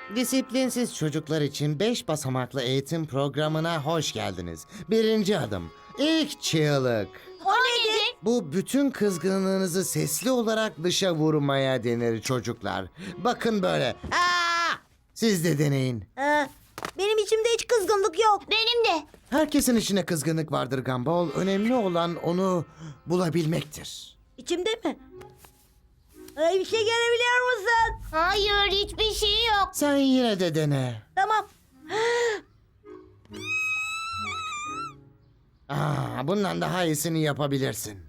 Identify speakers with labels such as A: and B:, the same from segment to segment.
A: Disiplinsiz çocuklar için 5 basamaklı eğitim programına hoş geldiniz. Birinci adım, ilk çığlık.
B: O nedir?
A: Bu bütün kızgınlığınızı sesli olarak dışa vurmaya denir çocuklar. Bakın böyle. Aa! Siz de deneyin.
B: Benim içimde hiç kızgınlık yok. Benim de.
A: Herkesin içine kızgınlık vardır Gumball. Önemli olan onu bulabilmektir.
B: İçimde mi? Bir şey görebiliyor musun? Hayır, hiçbir şey yok.
A: Sen yine de dene.
B: Tamam.
A: Bundan daha iyisini yapabilirsin.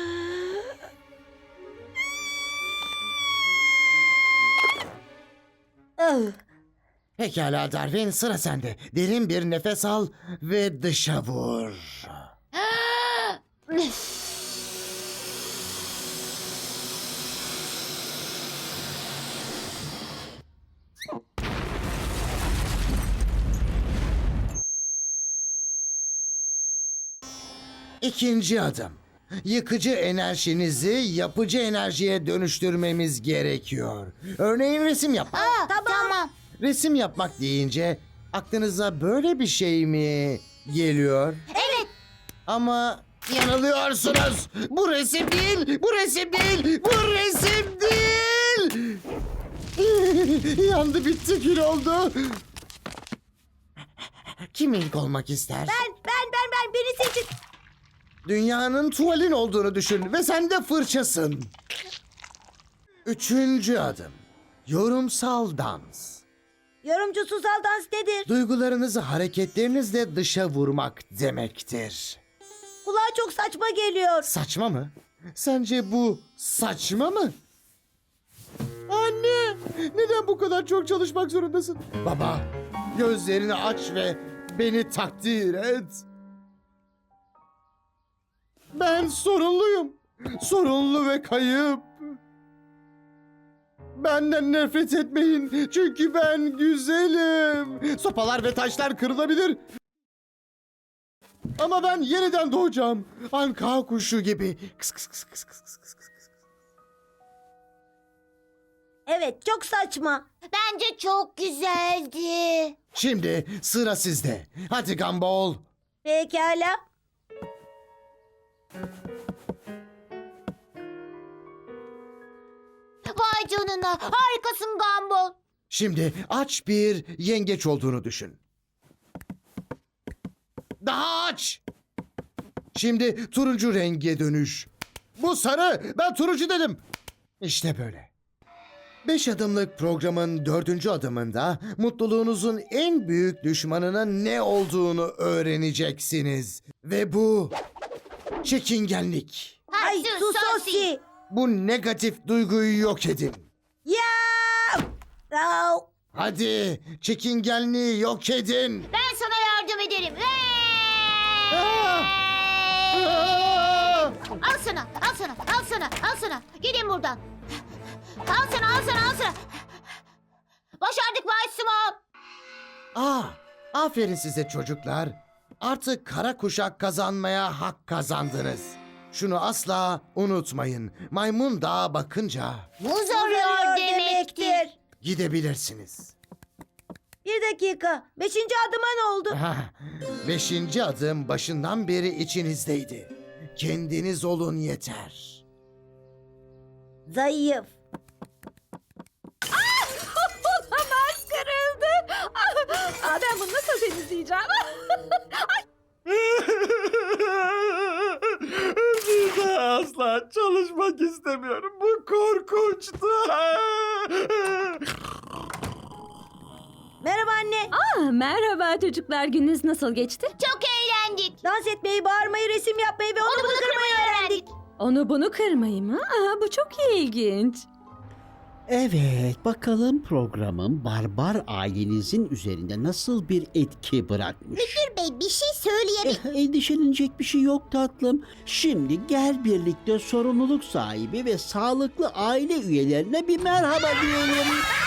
A: Pekala Darwin, sıra sende. Derin bir nefes al ve dışa vur. İkinci adım. Yıkıcı enerjinizi yapıcı enerjiye dönüştürmemiz gerekiyor. Örneğin resim yapmak.
B: Tamam.
A: Resim yapmak deyince aklınıza böyle bir şey mi geliyor?
B: Evet.
A: Ama yanılıyorsunuz. Bu resim değil, bu resim değil, bu resim değil. Yandı bitti, kül oldu. Kim ilk olmak ister?
B: Ben. Beni seçin.
A: Dünyanın tuvalin olduğunu düşün ve sen de fırçasın. Üçüncü adım. Yorumsal dans.
B: Yorumcusal dans nedir?
A: Duygularınızı hareketlerinizle dışa vurmak demektir.
B: Kulağa çok saçma geliyor.
A: Saçma mı? Sence bu saçma mı? Anne! Neden bu kadar çok çalışmak zorundasın? Baba, gözlerini aç ve beni takdir et. Ben sorunluyum. Sorunlu ve kayıp. Benden nefret etmeyin. Çünkü ben güzelim. Sopalar ve taşlar kırılabilir. Ama ben yeniden doğacağım. Anka kuşu gibi. Kıs kıs kıs kıs kıs kıs kıs kıs.
B: Evet, çok saçma. Bence çok güzeldi.
A: Şimdi sıra sizde. Hadi Gumball.
B: Pekala. Vay canına, harikasın Gumball.
A: Şimdi aç bir yengeç olduğunu düşün. Daha aç. Şimdi turuncu renge dönüş. Bu sarı. Ben turuncu dedim. İşte böyle. 5 adımlık programın 4. adımında mutluluğunuzun en büyük düşmanının ne olduğunu öğreneceksiniz. Ve bu çekingenlik.
B: Ay Susosi.
A: Bu negatif duyguyu yok edin.
B: Ya! Au.
A: Hadi çekingenliği yok edin.
B: Ben sana yardım ederim.
A: Aa!
B: Al sana. Gidin buradan. Al sana. Başardık Bay Small.
A: Aferin size çocuklar. Artık kara kuşak kazanmaya hak kazandınız. Şunu asla unutmayın. Maymun dağa bakınca
B: Muz arıyor demektir.
A: gidebilirsiniz.
B: Bir dakika. 5. adıma ne oldu?
A: 5. adım başından beri içinizdeydi. Kendiniz olun yeter.
B: Zayıf.
C: Olamaz, kırıldı. Ben bunu nasıl temizleyeceğim?
A: Bir daha asla çalışmak istemiyorum. Bu korkunçtu.
B: Merhaba anne.
C: Merhaba çocuklar, gününüz nasıl geçti?
B: Çok eğlendik. Dans etmeyi, bağırmayı, resim yapmayı ve onu bunu kırmayı öğrendik.
C: Onu bunu kırmayı mı? Bu çok ilginç.
D: Evet, bakalım programın barbar ailenizin üzerinde nasıl bir etki bırakmış.
B: Bey bir şey söyleyelim.
D: Endişelenecek bir şey yok tatlım. Şimdi gel birlikte sorumluluk sahibi ve sağlıklı aile üyelerine bir merhaba diyelim.